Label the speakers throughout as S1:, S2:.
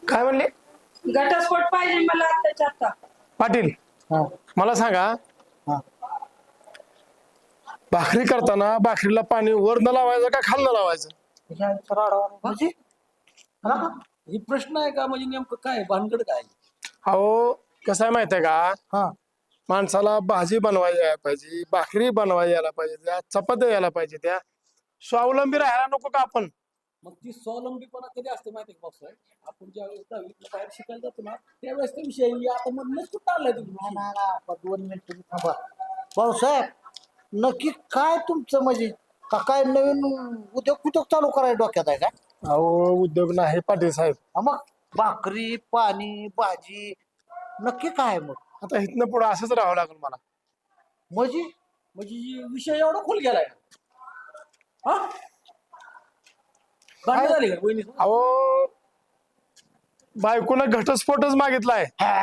S1: काय म्हणले?
S2: घटस्फोट पाहिजे मला आत्ताच्या आता.
S1: पाटील
S3: हा
S1: मला सांगा,
S3: हा
S1: भाकरी करताना भाकरीला पाणी वरनं लावायचं का खालनं लावायचं?
S3: म्हणजे
S4: ही प्रश्न आहे का म्हणजे नेमकं काय भानगड काय?
S1: अहो कसं आहे माहित आहे का,
S3: हा
S1: माणसाला भाजी बनवायला यायला पाहिजे, भाकरी बनवायला यायला पाहिजे, त्या चपात्या यायला पाहिजे, त्या स्वावलंबी राहायला नको का आपण?
S4: मग ती स्वावलंबीपणा कधी असते माहिती आहे का पावसाळ्यात? आपण ज्यावेळेस दहावीतनं बाहेर शिकायला जातो ना त्यावेळेस तो विषय आहे. आता मधनच कुठं आलाय तुम्ही?
S3: ना, 2 मिनिट तुम्ही थांबा. भाऊसाहेब नक्की काय तुमचं म्हणजे का काय नवीन उद्योग चालू करायला डोक्यात आहे का?
S1: अहो उद्योग नाही पाटील साहेब.
S3: मग भाकरी पाणी भाजी नक्की काय आहे मग?
S1: आता इथनं पुढे असंच राहावं लागेल मला.
S3: म्हणजे
S4: म्हणजे विषय एवढा खोल गेलाय हा भांडण झाली का वहिनी?
S1: अहो बायकोनं घटस्फोटच मागितलाय.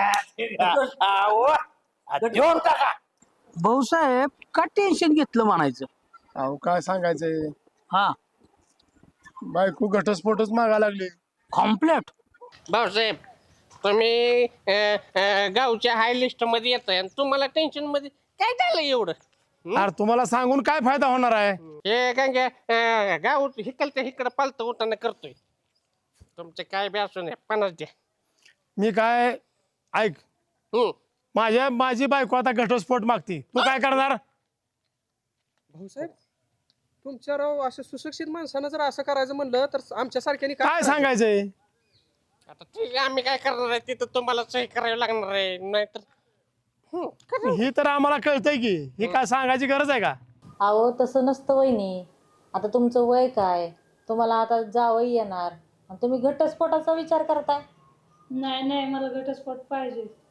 S3: देऊन टाका.
S5: भाऊसाहेब का टेन्शन घेतलं म्हणायचं.
S1: अहो काय सांगायचंय,
S5: हा
S1: बायको घटस्फोटच मागा लागली.
S5: कॉम्प्लेट.
S6: भाऊसाहेब तुम्ही गावच्या हाय लिस्ट मध्ये येताय आणि तुम्हाला टेन्शन मध्ये काय झालं एवढं?
S1: अरे तुम्हाला सांगून काय फायदा होणार आहे?
S6: हे काय गाव हिकलच्या हिकडं पालतं उठाणं करतोय. तुमचे काय बी असू नये 50 द्या.
S1: मी काय ऐक,
S6: हम्म.
S1: माझी बायको आता घटस्फोट मागती, तू काय करणार?
S7: भाऊसाहेब तुमच्या राव असं सुशिक्षित माणसानं जर असं करायचं म्हणलं तर आमच्या सारख्याने
S1: काय
S7: करायचं?
S1: सांगायचंय?
S6: आता ठीक आहे आम्ही काय करणार आहे तिथं तुम्हाला सही करावी लागणार आहे नाहीतर
S1: ही तर आम्हाला कळतंय की, ही काय सांगायची गरज आहे का?
S8: अहो तसं नसतं वहिनी. आता तुमचं वय काय, तुम्हाला आता जावई येणार आणि तुम्ही घटस्फोटाचा विचार करताय.
S2: नाही नाही मला घटस्फोट पाहिजे.